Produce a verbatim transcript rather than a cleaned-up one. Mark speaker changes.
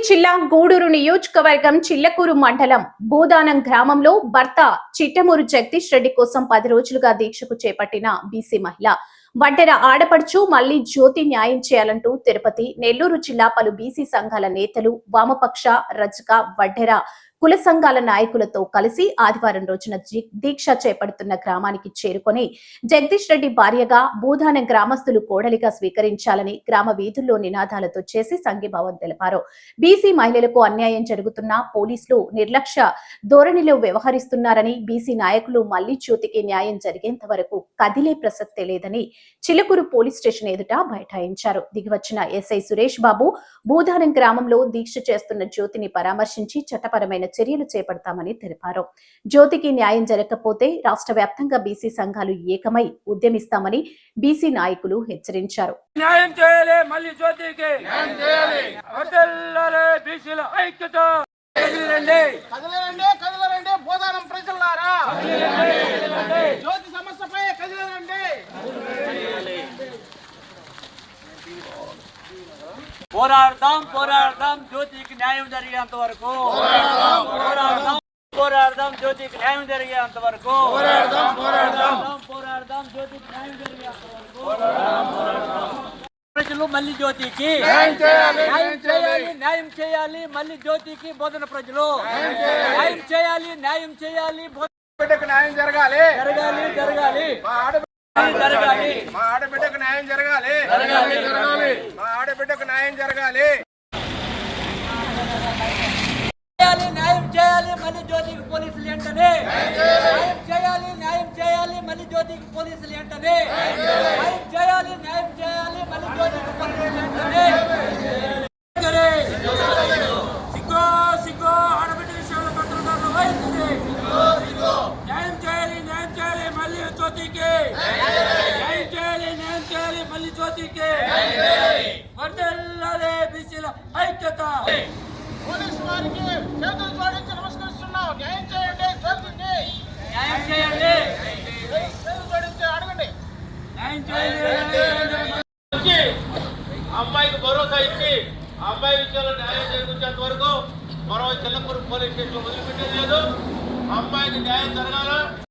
Speaker 1: జిల్లా గూడూరు నియోజకవర్గం చిల్లకూరు మండలం భూదానం గ్రామంలో భర్త చిట్టమూరు జగదీష్ రెడ్డి కోసం పది రోజులుగా దీక్షకు చేపట్టిన బీసీ మహిళ వడ్డెర ఆడపడుచు మళ్లీ జ్యోతి న్యాయం చేయాలంటూ తిరుపతి నెల్లూరు జిల్లా పలు బీసీ సంఘాల నేతలు వామపక్ష రజక వడ్డెర కుల సంఘాల నాయకులతో కలిసి ఆదివారం రోజున దీక్ష చేపడుతున్న గ్రామానికి చేరుకొని జగదీష్ రెడ్డి భార్యగా భూదానం గ్రామస్తులు కోడలిగా స్వీకరించాలని గ్రామ వీధుల్లో నినాదాలతో చేసి సంఘీభావం తెలిపారు. బీసీ మహిళలకు అన్యాయం జరుగుతున్నా పోలీసులు నిర్లక్ష్య ధోరణిలో వ్యవహరిస్తున్నారని, బీసీ నాయకులు మళ్లీ జ్యోతికి న్యాయం జరిగేంత వరకు కదిలే ప్రసక్తే లేదని చిలుకూరు పోలీస్ స్టేషన్ ఎదుట బైఠాయించారు. దిగివచ్చిన ఎస్ఐ సురేష్ బాబు భూదానం గ్రామంలో దీక్ష చేస్తున్న జ్యోతిని పరామర్శించి చట్టపరమైన చర్యలు చేపడతామని తెలిపారు. జ్యోతికి న్యాయం జరగకపోతే రాష్ట్ర వ్యాప్తంగా బీసీ సంఘాలు ఏకమై ఉద్యమిస్తామని బీసీ నాయకులు హెచ్చరించారు.
Speaker 2: న్యాయం చేయాలి, మళ్ళీ జ్యోతికి న్యాయం చేయాలి. వదలాలి బీసీల ఐక్యత. కదిలిరండి
Speaker 3: కదిలిరండి కదిలిరండి భూదానం ప్రజలారా, జ్యోతి సమస్యపై కదిలిరండి.
Speaker 2: పోరాడదాం పోరాడదాం జ్యోతికి న్యాయం జరిగేంత వరకు పోరాడదాం పోరాడదాం జ్యోతికి న్యాయం జరిగేంత వరకు పోరాడదాం పోరాడదాం పోరాడదాం జ్యోతికి న్యాయం జరిగేంత వరకు ప్రజలు మళ్ళీ జ్యోతికి న్యాయం చేయాలి న్యాయం చేయాలి మళ్ళీ జ్యోతికి బోధన ప్రజలు న్యాయం చేయాలి న్యాయం చేయాలి
Speaker 3: బిడ్డకు న్యాయం జరగాలి
Speaker 2: జరగాలి జరగాలి
Speaker 3: జరగాలి మా ఆడబిడ్డకు న్యాయం జరగాలి జరగాలి జరగాలి మా ఆడబిడ్డకు న్యాయం జరగాలి.
Speaker 2: న్యాయం చేయాలి మళ్ళీ జ్యోతికి పోలీసులు వెంటనే న్యాయం చేయాలి న్యాయం చేయాలి మళ్ళీ జ్యోతికి పోలీసులు వెంటనే న్యాయం చేయాలి న్యాయం చేయాలి మళ్ళీ జ్యోతికి పోలీసులు వెంటనే. సిగ్గో సిగ్గో ఆడబిడ్డ విషయంలో పత్రికలు వహించింది. న్యాయం చేయాలి న్యాయం చేయాలి మళ్ళీ జ్యోతికి న్యాయం చేయాలి న్యాయం చేయాలి మళ్ళీ జ్యోతికి వర్ధిల్లాలి బీసీల ఐక్యత.
Speaker 3: పోలీసు వారికి చేతులు జోడించి నమస్కరిస్తున్నాం. న్యాయం చేయండి జ్యోతికి
Speaker 2: న్యాయం చేయండి
Speaker 3: చేతులు జోడించి అడగండి.
Speaker 2: న్యాయం చేయండి.
Speaker 3: అమ్మాయికి భరోసా ఇచ్చి అమ్మాయి విషయంలో న్యాయం జరిపించేంత వరకు మరో చిల్లకూరు పోలీస్ స్టేషన్ వదిలిపెట్టేది లేదు. అమ్మాయికి న్యాయం జరగాల.